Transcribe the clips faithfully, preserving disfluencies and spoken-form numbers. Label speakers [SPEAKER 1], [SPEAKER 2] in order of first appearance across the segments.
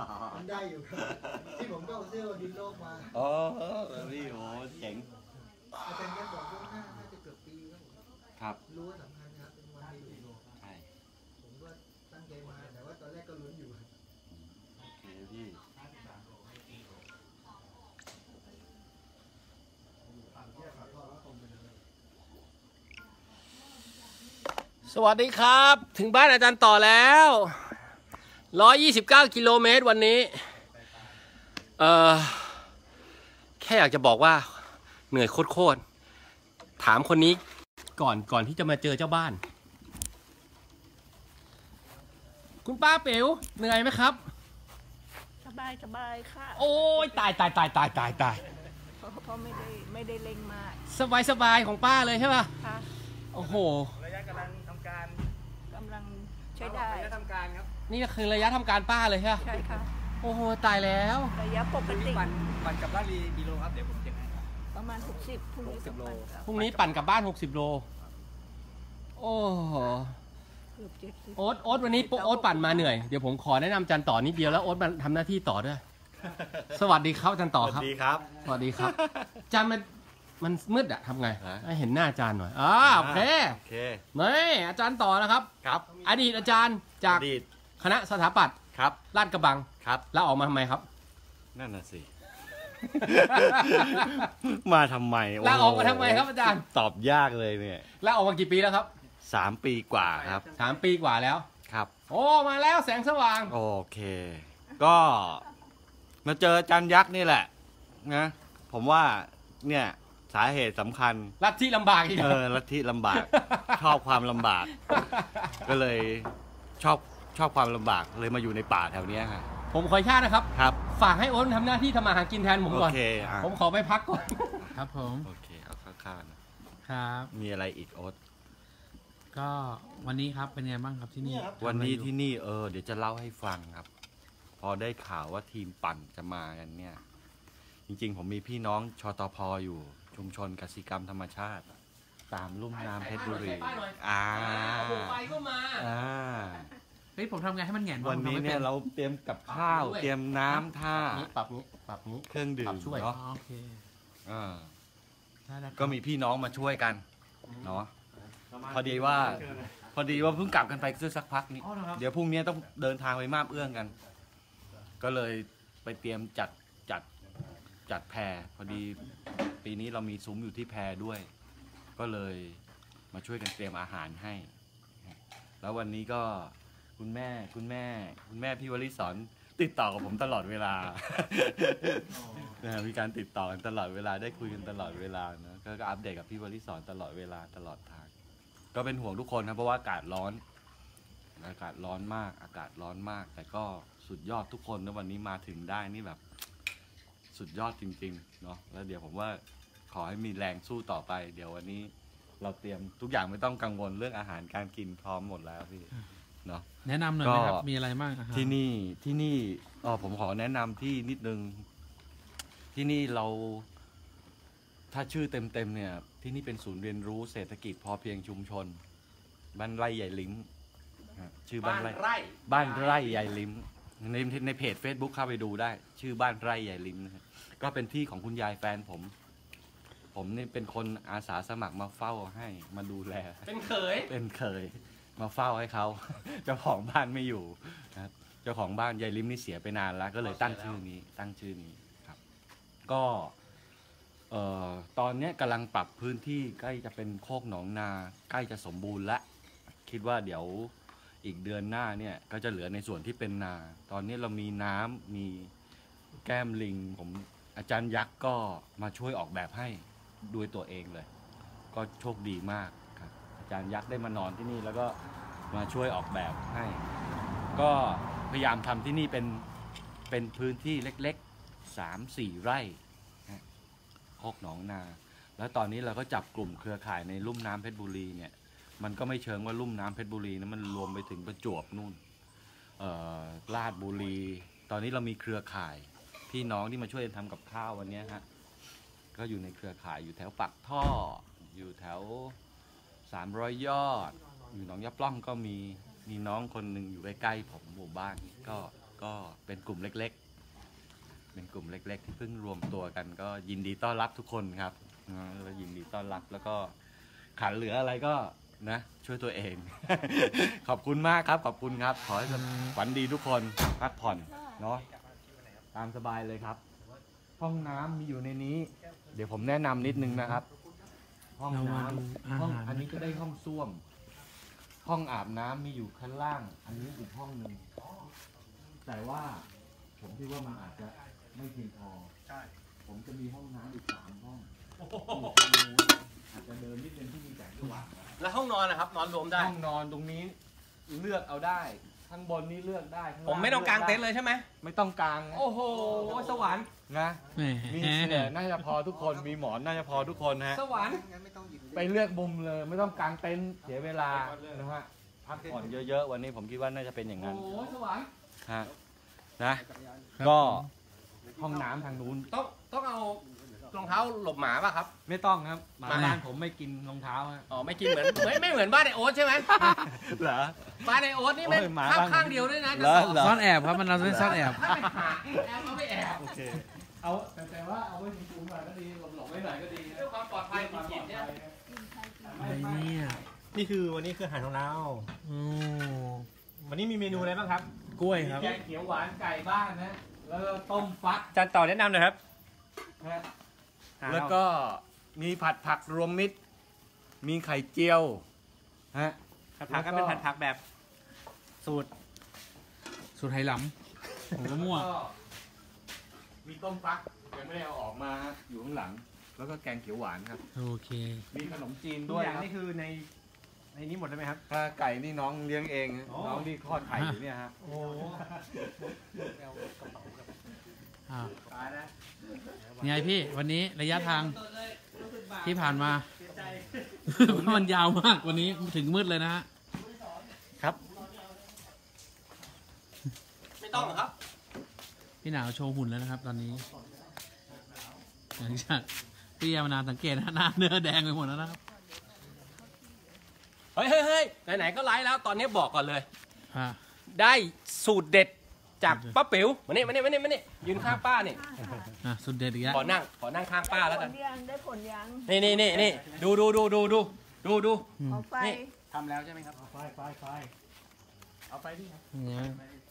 [SPEAKER 1] มันได้อยู่ครับที่ผมก็เอาเสื้อดินโลกมา
[SPEAKER 2] อ๋อพี่โอ้เจ๋ง
[SPEAKER 1] อาจารย์แกบอกว่าน่าน่าจะเกือบปีครับผม
[SPEAKER 2] ครับ
[SPEAKER 1] รู้ว่าสำคัญครับเป็นวันดี
[SPEAKER 2] ใช่
[SPEAKER 1] ผมก็ตั้งใจมาแต่ว่าตอนแรกก็ลุ้นอยู่
[SPEAKER 2] โอเคพี่
[SPEAKER 3] สวัสดีครับถึงบ้านอาจารย์ต่อแล้วหนึ่งร้อยยี่สิบเก้ากิโลเมตรวันนี้เอ่อแค่อยากจะบอกว่าเหนื่อยโคตรๆถามคนนี้ก่อนก่อนที่จะมาเจอเจ้าบ้านคุณป้าเป๋วเหนื่อยไหมครับ
[SPEAKER 4] สบายสบายค่ะ
[SPEAKER 3] โอ้ยตายตายตายตายตายตาย
[SPEAKER 4] เพราะเพราะไม่ได้ไม่ได้เร่งมาก
[SPEAKER 3] สบายสบายของป้าเลยใช่ป่ะ
[SPEAKER 4] ค่ะ
[SPEAKER 3] โอ้โห
[SPEAKER 5] ระยะกำลังทำการ
[SPEAKER 4] กำลังใช้ได้
[SPEAKER 5] ระยะทำการครับ
[SPEAKER 3] นี่คือระยะทำการป้าเลยใช่ไหม
[SPEAKER 4] ใช่ค่ะ
[SPEAKER 3] โอ้โหตายแล้ว
[SPEAKER 4] ระยะปกติ
[SPEAKER 5] ปั่นปั่นกับลาลีกิโลครับเดี๋ยวผมเช็คให้
[SPEAKER 4] ประมาณหกสิบพรุ่งนี้
[SPEAKER 5] โล
[SPEAKER 3] พรุ่งนี้ปั่นกลับบ้านหกสิบโลโอ้โห
[SPEAKER 4] เกือบเจ็ดสิบ
[SPEAKER 3] โอ๊ตโอ๊ตวันนี้โอ๊ตปั่นมาเหนื่อยเดี๋ยวผมขอแนะนำจันต่อนิดเดียวแล้วโอ๊ตมาทำหน้าที่ต่อด้วยสวัสดีครับจันต่อครับ
[SPEAKER 2] สวัสดีครับ
[SPEAKER 3] สวัสดีครับจันมันมันมืดอะทำไงให้เห็นหน้าอาจารย์หน่อยอ่าโอเค
[SPEAKER 2] โอเค
[SPEAKER 3] นี่อาจารย์ต่อนะครับ
[SPEAKER 2] ครับ
[SPEAKER 3] อดีตอาจารย์จากคณะสถาปัตย์
[SPEAKER 2] ครับ
[SPEAKER 3] ลาดกระบัง
[SPEAKER 2] ครับ
[SPEAKER 3] แล้วออกมาทำไมครับ
[SPEAKER 2] นั่นน่ะสิมาทำไม
[SPEAKER 3] ลาออกมาทำไมครับอาจารย์
[SPEAKER 2] ตอบยากเลยเนี่ย
[SPEAKER 3] ลาออกมากี่ปีแล้วครับ
[SPEAKER 2] สามปีกว่าครับ
[SPEAKER 3] สามปีกว่าแล้ว
[SPEAKER 2] ครับ
[SPEAKER 3] โอ้มาแล้วแสงสว่าง
[SPEAKER 2] โอเคก็มาเจอจันยักษ์นี่แหละนะผมว่าเนี่ยสาเหตุสำคัญ
[SPEAKER 3] ลัทธิลำบากอีก
[SPEAKER 2] เออลัทธิลำบากชอบความลำบากก็เลยชอบชอบความลำบากเลยมาอยู่ในป่าแถวนี้ค่ะ
[SPEAKER 3] ผมขออนุญาตนะครับ
[SPEAKER 2] ครับ
[SPEAKER 3] ฝากให้โอ๊ตทำหน้าที่ทำมาหากินแทนผมก่อน
[SPEAKER 2] โอเค
[SPEAKER 3] ผมขอไปพักก่อน
[SPEAKER 6] ครับผม
[SPEAKER 2] โอเคเอาข้างๆ
[SPEAKER 6] นะครับ
[SPEAKER 2] มีอะไรอีกโอ๊ต
[SPEAKER 6] ก็วันนี้ครับเป็นไงบ้างครับที่นี่
[SPEAKER 2] วันนี้ที่นี่เออเดี๋ยวจะเล่าให้ฟังครับพอได้ข่าวว่าทีมปั่นจะมากันเนี่ยจริงๆผมมีพี่น้องชตพอยู่ชุมชนกสิกรรมธรรมชาติตามลุ่มน้ำเพชรบุรีอ่า
[SPEAKER 3] ไปก็มา
[SPEAKER 2] อ่า
[SPEAKER 6] เฮ้ยผมทำไงให้มันแหงน
[SPEAKER 2] วันนี้เนี่ยเราเตรียมกับข้าวเตรียมน้ำท่า
[SPEAKER 3] ปรับนี้ปรับนี้
[SPEAKER 2] เครื่องดื่มเนาะ
[SPEAKER 6] โอเค
[SPEAKER 2] อ่าก็มีพี่น้องมาช่วยกันเนาะพอดีว่าพอดีว่าเพิ่งกลับกันไปสักพักนี้เดี๋ยวพรุ่งนี้ต้องเดินทางไปมาบเอื้องกันก็เลยไปเตรียมจัดจัดจัดแพรพอดีปีนี้เรามีซุ้มอยู่ที่แพรด้วยก็เลยมาช่วยกันเตรียมอาหารให้แล้ววันนี้ก็คุณแม่คุณแม่คุณแม่พี่วลิศรติดต่อกับผมตลอดเวลามีการติดต่อกันตลอดเวลาได้คุยกันตลอดเวลานะก็อัปเดตกับพี่วลิศรตลอดเวลาตลอดทางก็เป็นห่วงทุกคนนะเพราะว่าอากาศร้อนอากาศร้อนมากอากาศร้อนมากแต่ก็สุดยอดทุกคนนะวันนี้มาถึงได้นี่แบบสุดยอดจริงๆเนาะแล้วเดี๋ยวผมว่าขอให้มีแรงสู้ต่อไปเดี๋ยววันนี้เราเตรียมทุกอย่างไม่ต้องกังวลเรื่องอาหารการกินพร้อมหมดแล้วพี่เนาะ
[SPEAKER 6] แนะนำหน่อยนะครับมีอะไรบ้าง
[SPEAKER 2] ที่นี่ที่นี่อ๋อผมขอแนะนำที่นิดนึงที่นี่เราถ้าชื่อเต็มๆเนี่ยที่นี่เป็นศูนย์เรียนรู้เศรษฐกิจพอเพียงชุมชนบ้านไร่ใหญ่ลิ้มชื่อบ้านไร่บ้านไร่ใหญ่ลิ้มในในเพจ Facebook เข้าไปดูได้ชื่อบ้านไร่ใหญ่ลิ้มนะครับก็เป็นที่ของคุณยายแฟนผมผมนี่เป็นคนอาสาสมัครมาเฝ้าให้มาดูแล
[SPEAKER 3] เป็นเขย
[SPEAKER 2] เป็นเขยมาเฝ้าให้เขาเจ้าของบ้านไม่อยู่นะครับเจ้าของบ้านยายลิ้มนี่เสียไปนานแล้วก็เลยตั้งชื่อนี้ตั้งชื่อนี้ครับก็เอ่อตอนนี้กำลังปรับพื้นที่ใกล้จะเป็นโคกหนองนาใกล้จะสมบูรณ์แล้วคิดว่าเดี๋ยวอีกเดือนหน้าเนี่ยก็จะเหลือในส่วนที่เป็นนาตอนนี้เรามีน้ำมีแก้มลิงผมอาจารย์ยักษ์ก็มาช่วยออกแบบให้ด้วยตัวเองเลยก็โชคดีมากครับอาจารย์ยักษ์ได้มานอนที่นี่แล้วก็มาช่วยออกแบบให้ก็พยายามทำที่นี่เป็นเป็นพื้นที่เล็กๆ สามสี่ไร่โคกหนองนาแล้วตอนนี้เราก็จับกลุ่มเครือข่ายในลุ่มน้ำเพชรบุรีเนี่ยมันก็ไม่เชิงว่าลุ่มน้ำเพชรบุรีนะมันรวมไปถึงประจวบนู่นลาดบุรีตอนนี้เรามีเครือข่ายพี่น้องที่มาช่วยทำกับข้าววันนี้ฮะก็อยู่ในเครือข่ายอยู่แถวปักท่ออยู่แถวสามร้อยยอดอยู่หนองยะปล้องก็มีมีน้องคนหนึ่งอยู่ใกล้ๆผมหมู่บ้านก็ก็เป็นกลุ่มเล็กๆเป็นกลุ่มเล็กๆที่เพิ่งรวมตัวกันก็ยินดีต้อนรับทุกคนครับแล้วยินดีต้อนรับแล้วก็ขาดเหลืออะไรก็นะช่วยตัวเอง ขอบคุณมากครับขอบคุณครับขอให้ฝันดีทุกคนพักผ่อนเนาะตามสบายเลยครับห้องน้ำมีอยู่ในนี้เดี๋ยวผมแนะนำนิดนึงนะครับห้องน้ำห้องอันนี้ก็ได้ห้องส้วมห้องอาบน้ำมีอยู่ข้างล่าง อันนี้อีกห้องหนึ่งแต่ว่าผมคิดว่ามันอาจจะไม่เพียงพอใช่ผมจะมีห้องน้ำอีกสามห้องอาจจะเดินนิดนึงที่มีแสงสว่าง
[SPEAKER 3] แล้วห้องนอนนะครับนอนรวมได้
[SPEAKER 2] ห้องนอนตรงนี้เลือกเอาได้ข้างบนนี้เลือกได้ข้างล่าง
[SPEAKER 3] ผมไม่ต้องกางเต็นท์เลยใช่ไหม
[SPEAKER 2] ไม่ต้องกางนะ
[SPEAKER 3] โอ้โหสวรรค์
[SPEAKER 2] นะ
[SPEAKER 6] แหม
[SPEAKER 2] มีเสือน่าจะพอทุกคนมีหมอนน่าจะพอทุกคนฮะ
[SPEAKER 3] สวรรค์
[SPEAKER 1] งั้นไม่ต้องหยิบ
[SPEAKER 2] ไปเลือกมุมเลยไม่ต้องกางเต็นท์เสียเวลานะฮะพักผ่อนเยอะๆวันนี้ผมคิดว่าน่าจะเป็นอย่าง
[SPEAKER 3] โอ้
[SPEAKER 2] นั้น
[SPEAKER 3] โหสวรรค์
[SPEAKER 2] ฮะนะก็ห้องน้ำทางนู้น
[SPEAKER 3] ต้องต้องเอารองเท้าหลบหมาป่ะครับ
[SPEAKER 2] ไม่ต้องครับหมาบ้านผมไม่กินรองเท้าฮะ
[SPEAKER 3] อ๋อไม่กินเหมือนไม่ไม่เหมือนบ้านในโอ๊ตใช่ไหม
[SPEAKER 2] เหรอ
[SPEAKER 3] บ้านในโอ๊ตนี่ไม่
[SPEAKER 2] โอ้ยหมา
[SPEAKER 3] ข้าง
[SPEAKER 2] บ้าน
[SPEAKER 3] ข้างเดียวด้วยนะ
[SPEAKER 2] เหรอเหร
[SPEAKER 6] ซ่อนแอบครับมันเราเป็นซ่อนแอบ
[SPEAKER 3] ถ้าไปหาแอบเอาไปแอบ
[SPEAKER 2] โอเคเอาแต่แต่ว่าเอาไว้สูงๆหน่อยก็ดีหลบๆไว้หน่อยก็ดี
[SPEAKER 3] เพื่อความปลอดภัยของจิตเนี่ย
[SPEAKER 6] อะไรเนี่ย
[SPEAKER 5] นี่คือวันนี้คืออาหารของเรา
[SPEAKER 6] โอ้
[SPEAKER 5] วันนี้มีเมนูอะไรบ้างครับ
[SPEAKER 6] กล้วยครับ
[SPEAKER 2] แกงเขียวหวานไก่บ้านนะแล้วก็ต้มฟัก
[SPEAKER 5] จานต่อแนะนำหน่อยครับ
[SPEAKER 2] ฮะแล้วก็มีผัดผักรวมมิตร มีไข่เจียวฮะ
[SPEAKER 5] ผัดผักก็เป็นผัดผักแบบสูตร
[SPEAKER 6] สูตรไหหลำผมก็มั่ว
[SPEAKER 2] ก็มีต้มฟักยังไม่ได้เอาออกมาฮะอยู่ข้างหลัง แล้วก็แกงเขียวหวานครับ
[SPEAKER 6] โอเค
[SPEAKER 2] มีขนมจีน
[SPEAKER 5] ทุ
[SPEAKER 2] ด้
[SPEAKER 5] ก
[SPEAKER 2] วย
[SPEAKER 5] อย่าง
[SPEAKER 2] ครับ
[SPEAKER 5] นี่คือในในนี้หมดเลยไหมครับ
[SPEAKER 2] ถ้าไก่นี่น้องเลี้ยงเองฮะ
[SPEAKER 5] อ๋อ
[SPEAKER 2] น้องที่คลอดไข่อยู่เนี่ยฮะ
[SPEAKER 5] โอ้
[SPEAKER 6] อ่า
[SPEAKER 5] ตายแล้ว
[SPEAKER 6] ไงพี่วันนี้ระยะทางที่ผ่านมา มันยาวมากวันนี้ถึงมืดเลยนะฮะ
[SPEAKER 5] ครับ
[SPEAKER 3] ไม่ต้องหรอกครับ
[SPEAKER 6] พี่หนาวโชว์หุ่นแล้วนะครับ ตอนนี้หลังจากพี่ยามานานสังเกตนะหน้าเนื้อแดงไปหมดแล้วนะครับ
[SPEAKER 3] เฮ้ยเฮ้ยเฮ้ยไหนๆก็ไลฟ์แล้วตอนนี้บอกก่อนเลย
[SPEAKER 6] อ่า
[SPEAKER 3] ได้สูตรเด็ดจากป้าปิ๋วมานี่มานี่มานี่มานี่ยืนข้างป้านี่
[SPEAKER 6] อ่ะสุดเด็ดอีกแล้ว
[SPEAKER 3] ขอนั่งขอนั่งข้างป้าแล้ว
[SPEAKER 4] ผ
[SPEAKER 3] กัน
[SPEAKER 4] ลยังได้ผลยัง
[SPEAKER 3] นี่นี่นี่นี่ดูดูดูดูดูดูดู
[SPEAKER 6] อืม
[SPEAKER 4] เอาไฟ
[SPEAKER 3] นี่
[SPEAKER 5] ทำแล้วใช่ไหมครับ
[SPEAKER 2] ไฟไฟไฟเอาไปดิครับ
[SPEAKER 6] เนี่ย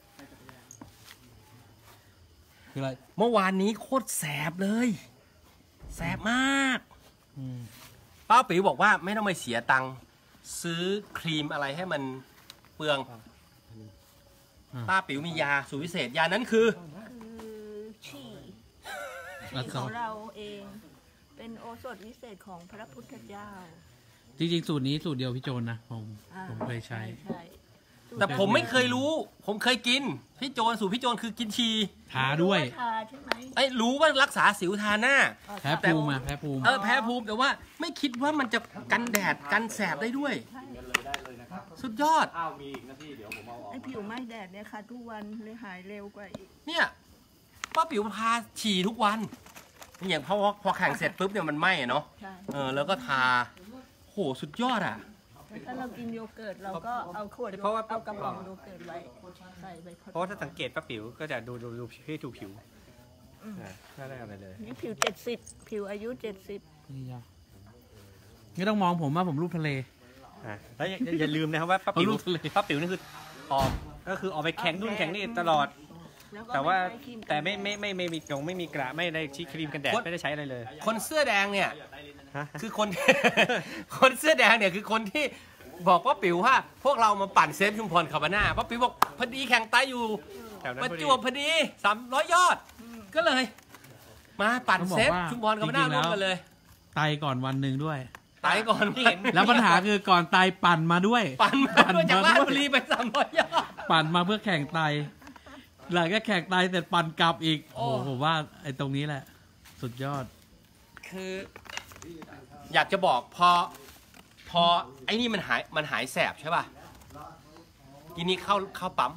[SPEAKER 6] คืออะไร
[SPEAKER 3] เมื่อวานนี้โคตรแสบเลยแสบมาก
[SPEAKER 6] อืม
[SPEAKER 3] ป้าปิ๋วบอกว่าไม่ต้องไปเสียตังค์ซื้อครีมอะไรให้มันเปลืองป้าปิ๋วมียาสูตรพิเศษยานั้นคือ
[SPEAKER 4] คือฉี่
[SPEAKER 6] แล้ว
[SPEAKER 4] ฉี่
[SPEAKER 6] ก็
[SPEAKER 4] ของเราเอง เป็นโอสถวิเศษของพระพุทธเจ้า
[SPEAKER 6] จริงๆสูตรนี้สูตรเดียวพี่โจนนะผม
[SPEAKER 4] อ่า
[SPEAKER 6] ผมเคยใช้
[SPEAKER 4] ใช่
[SPEAKER 3] แต่ผมไม่เคยรู้ ผมเคยกินพี่โจนสูตรพี่โจนคือกินชี
[SPEAKER 6] ทาด้วย
[SPEAKER 4] ทาใช่ไหม
[SPEAKER 3] ไอ้รู้ว่ารักษาสิวทาหน้า
[SPEAKER 4] อ๋อ
[SPEAKER 6] แพ้ภูมิอะแพ้ภูมิ
[SPEAKER 3] เออแพ้ภูมิแต่ว่าไม่คิดว่ามันจะกันแดดกันแสบได้ด้วย
[SPEAKER 4] ใช่
[SPEAKER 2] เลยได้เลยนะครับ
[SPEAKER 3] สุดยอด
[SPEAKER 2] ข้าวมีอีกนะพี่เดี๋ยวผมเอาออก
[SPEAKER 4] ไอผิวไหม้แดดเนี่ยค่ะทุกวันเลยหายเร็วกว่าอีก
[SPEAKER 3] เนี่ยป้าปิ๋วพาฉี่ทุกวันอย่างพอพอแข่งเสร็จปุ๊บเนี่ยมันไหม้อะเนาะ
[SPEAKER 4] ใช่
[SPEAKER 3] เออแล้วก็ทาโหสุดยอดอ่ะ
[SPEAKER 4] ถ้าเรากินโยเกิร์ตเราก็เอาขวด
[SPEAKER 5] เพราะว่า
[SPEAKER 4] เอากระป๋องโยเกิร์ตไว้ใส่ไป
[SPEAKER 5] เพราะว่าถ้าสังเกตป้าปิ๋วก็จะดูดูดูที่ดูผิวอ่าไม่ได้อะไรเลย
[SPEAKER 4] นี่ผิวเจ็ดสิบผิวอายุเจ็ดสิบ
[SPEAKER 6] นี่จ้ะไม่ต้องมองผมว่าผมรูปทะเล
[SPEAKER 5] อ่าแล้วอย่าอย่าอย่าลืมนะครับว่าป้าปิ๋ว
[SPEAKER 6] เอาลูกทะเล
[SPEAKER 5] ป้าปิ๋วนี่คือออกก็คือออกไปแข่งนู่นแข่งนี่ตลอด
[SPEAKER 4] แล้วก็
[SPEAKER 5] แต่ว่า
[SPEAKER 4] ไม่ใช้ครี
[SPEAKER 5] แต่ไม่ไม่ไม่ไม่มีกงไม่มีกระไม่ได้ชี้ครีมกันแดดไม่ได้ใช้อะไรเลย
[SPEAKER 3] คนเสื้อแดงเนี่ย
[SPEAKER 5] ฮะ
[SPEAKER 3] คือคน คนเสื้อแดงเนี่ยคือคนที่บอกป้าปิ๋วว่า พวกเรามาปั่นเซฟชุมพรคาบาน่าป้าปิ๋วบอกพอดีแข่งไตอยู่
[SPEAKER 5] แถวนั้น
[SPEAKER 3] ประ
[SPEAKER 5] พอดี
[SPEAKER 3] จวบพอดีสามร้อยยอด ก็เลย มาปั่น
[SPEAKER 6] ต้องบอก
[SPEAKER 3] เซฟ
[SPEAKER 6] ว่า
[SPEAKER 3] ชุมพรคาบาน่า
[SPEAKER 6] จริงๆแล้
[SPEAKER 3] ร่ว
[SPEAKER 6] ว
[SPEAKER 3] มกันเลย
[SPEAKER 6] ไตก่อนวันหนึ่งด้วย
[SPEAKER 3] ไตก่อนที่เห็น
[SPEAKER 6] แล้วปัญหาคือก่อนไตปั่นมาด้วย
[SPEAKER 3] ปั่นมาด้วยจากราชบุรีไปสามร้อยยอด
[SPEAKER 6] ปั่นมาเพื่อแข่งไตหลังก็แข่งไตเสร็จปั่นกลับอีก
[SPEAKER 3] โอ้
[SPEAKER 6] โอ้โหผมว่าไอ้ตรงนี้แหละ สุดยอด
[SPEAKER 3] คือ อยากจะบอกพอ พอไอ้นี่มันหายมันหายแสบใช่ป่ะทีนี้เข้าเข้าปั๊ม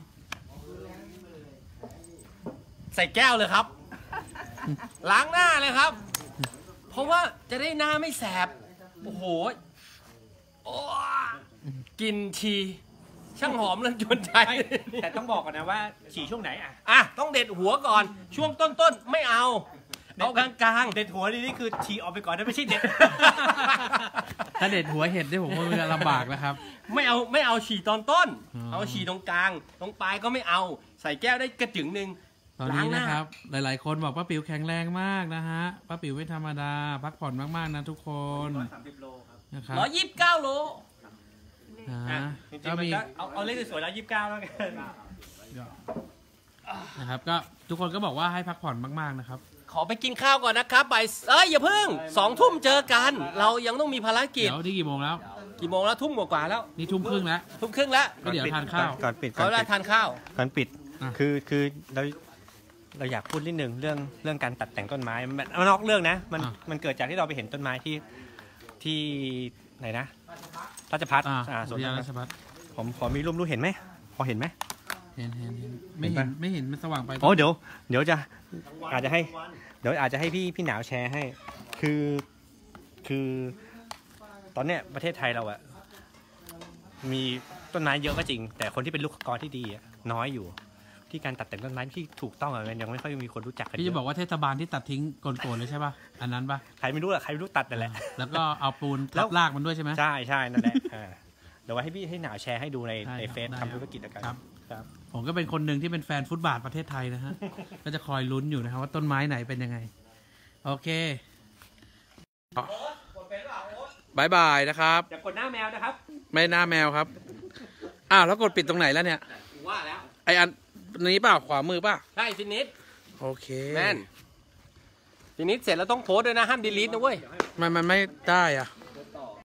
[SPEAKER 3] ใส่แก้วเลยครับ ล้างหน้าเลยครับ เพราะว่าจะได้หน้าไม่แสบ โอ้โหโอ้กินทีช่างหอมแล้วจวนใจ
[SPEAKER 5] แต่ต้องบอกก่อนนะว่าฉี่ช่วงไหนอ่ะ
[SPEAKER 3] อ่ะต้องเด็ดหัวก่อน ช่วงต้นๆไม่เอาเอากลางๆ
[SPEAKER 5] เด็ดหัวนี่นี่คือฉี่ออกไปก่อนนะไม่ใช่เด็ด
[SPEAKER 6] ถ้าเด็ดหัวเห็ดเนี่ยผมว่ามันจะลำบากนะครับ
[SPEAKER 3] ไม่เอาไม่เอาฉี่ตอนต้น
[SPEAKER 6] อ๋อ
[SPEAKER 3] เอาฉี่ตรงกลาง ตรงปลายก็ไม่เอา ใส่แก้วได้กระจึงหนึ่ง
[SPEAKER 6] ตอนนี้นะครับ หลายๆ คนบอกป้าปิ๋วแข็งแรงมากนะฮะป้าปิ๋วไม่ธรรมดา พักผ่อนมากๆนะทุกคนนะครับ
[SPEAKER 3] ร้อยยี่สิบเก้าโล
[SPEAKER 6] นะ
[SPEAKER 5] อ่ะ
[SPEAKER 6] ฮะ
[SPEAKER 5] จริง
[SPEAKER 6] ก็
[SPEAKER 5] ๆมัน
[SPEAKER 6] มี
[SPEAKER 5] ก็เอาเอาเลขสวยๆแล้วยี่สิบเก้าแล้วกัน
[SPEAKER 6] นะครับก็ทุกคนก็บอกว่าให้พักผ่อนมากๆนะครับ
[SPEAKER 3] ขอไปกินข้าวก่อนนะครับบ่ายเอ้ยอย่าเพิ่งสองทุ่มเจอกัน เรายังต้องมีภารกิจ
[SPEAKER 6] เดี๋ยวที่กี่โมงแล้ว
[SPEAKER 3] กี่โมงแล้วทุ่มกว่าๆแล้ว
[SPEAKER 6] นี่ทุ่มครึ่งแล้ว
[SPEAKER 3] ทุ่มครึ่งแล้ว
[SPEAKER 6] ก็เดี๋ยวทานข้าว
[SPEAKER 5] ก่อนปิดก่
[SPEAKER 3] เขา
[SPEAKER 5] อน
[SPEAKER 3] ได้
[SPEAKER 5] ปิด
[SPEAKER 3] ทานข้าว
[SPEAKER 5] ก่อนปิด
[SPEAKER 6] อ่ะ
[SPEAKER 5] คือคือเราเราอยากพูดนิดนึงเรื่องเรื่องการตัดแต่งต้นไม้มันมันนอกเรื่องนะมันมันเกิดจากที่เราไปเห็นต้นไม้ที่ที่ไหนนะราชพัฒน์
[SPEAKER 6] อ่า
[SPEAKER 5] อ่าสวน
[SPEAKER 6] วิทยา
[SPEAKER 5] รา
[SPEAKER 6] รา
[SPEAKER 5] ช
[SPEAKER 6] ช
[SPEAKER 5] พัฒน์
[SPEAKER 6] พัฒน์
[SPEAKER 5] ผมขอมีรูปรู้เห็นไหมพอเห็นไหม
[SPEAKER 6] เห็นเห็นเห็นไม่
[SPEAKER 5] เห็
[SPEAKER 6] เห็
[SPEAKER 5] น
[SPEAKER 6] น
[SPEAKER 5] ปะ
[SPEAKER 6] ไม่เห็นมันสว่างไป
[SPEAKER 5] โอ้เดี๋ยวเดี๋ยวจะอาจจะให้เดี๋ยวอาจจะให้พี่พี่หนาวแชร์ให้ คือคือตอนเนี้ยประเทศไทยเราอะมีต้นไม้เยอะก็จริง แต่คนที่เป็นลูกกรที่ดีอะน้อยอยู่ ที่การตัดแต่งต้นไม้ที่ถูกต้องอะมันยังไม่ค่อยมีคนรู้จักกัน
[SPEAKER 6] พี่
[SPEAKER 5] เย
[SPEAKER 6] จะบอก
[SPEAKER 5] อะ
[SPEAKER 6] ว่าเทศบาลที่ตัดทิ้งโกนๆเลยใช่ป่ะอันนั้นป่ะ
[SPEAKER 5] ใครไม่รู้อะใครไม่รู้ตัดนั่นแหละ
[SPEAKER 6] แล้วก็เอาปูน
[SPEAKER 5] แล้
[SPEAKER 6] ทั
[SPEAKER 5] ว
[SPEAKER 6] บรากมันด้วยใช่ไหม
[SPEAKER 5] ใช่ใช่นั่นแหละอ่าเดี๋ยวไว้ให้พี่ให้หนาวแชร์ให้ดูใน
[SPEAKER 6] ได้
[SPEAKER 5] ใน
[SPEAKER 6] ครับ
[SPEAKER 5] เฟซ
[SPEAKER 6] ได้
[SPEAKER 5] ทำธุรกิจแล้วกัน
[SPEAKER 6] ครับ
[SPEAKER 5] ครับ
[SPEAKER 6] ผมก็เป็นคนหนึ่งที่เป็นแฟนฟุตบาทประเทศไทยนะฮะ ก็จะคอยลุ้นอยู่นะครับว่าต้นไม้ไหนเป็นยังไง โอเคบายบายนะครับ
[SPEAKER 3] อย่ากดหน้าแมวนะครับ
[SPEAKER 6] ไม่หน้าแมวครับ อ้าวแล้วกดปิดตรงไหนแล้วเนี่ย
[SPEAKER 3] ว่าแล้ว
[SPEAKER 6] ไออันนี้เปล่าขวามือเปล่า
[SPEAKER 3] ใช่ฟินิช
[SPEAKER 6] โอเค
[SPEAKER 3] แมนฟินิชเสร็จแล้วต้องโพสต์ด้วยนะห้ามดีลีทนะเว้ย
[SPEAKER 6] มันมันไม่ได้อ่ะ